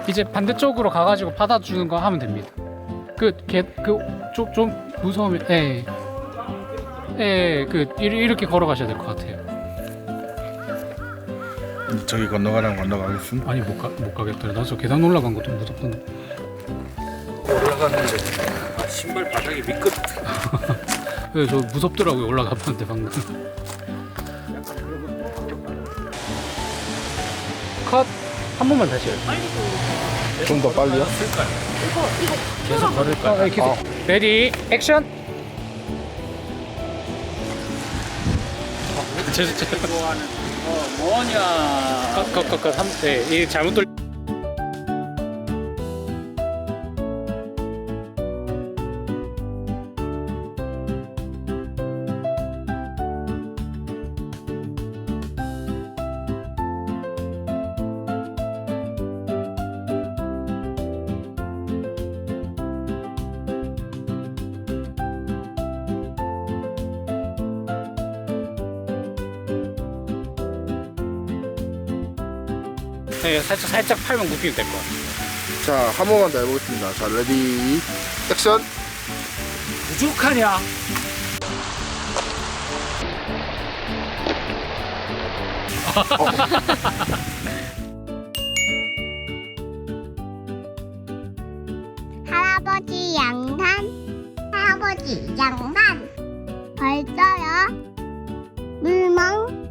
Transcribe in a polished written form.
이제 반대쪽으로 가가지고 받아주는 거 하면 됩니다. 좀 무서우면 이렇게 걸어가셔야 될 것 같아요. 저기 건너가라면 건너가겠습니다. 아니 못 가겠더라. 나 저 계단 올라간 거 좀 무섭던데. 올라갔는데 신발 바닥이 미끄럽. 네, 저 무섭더라고요. 올라가봤는데 방금. 컷 한 번만 다시 해요. 좀 더 빨리요? 계속 걸을까? 계속. 레디 액션. 좋아하는 뭐냐? 컷. 이 잘못 돌. 네, 살짝 팔만 굽히면 될 것 같아요. 자, 한 번만 더 해보겠습니다. 자, 레디, 액션! 부족하냐? 할아버지 양산, 할아버지 양산, 벌써요. 물멍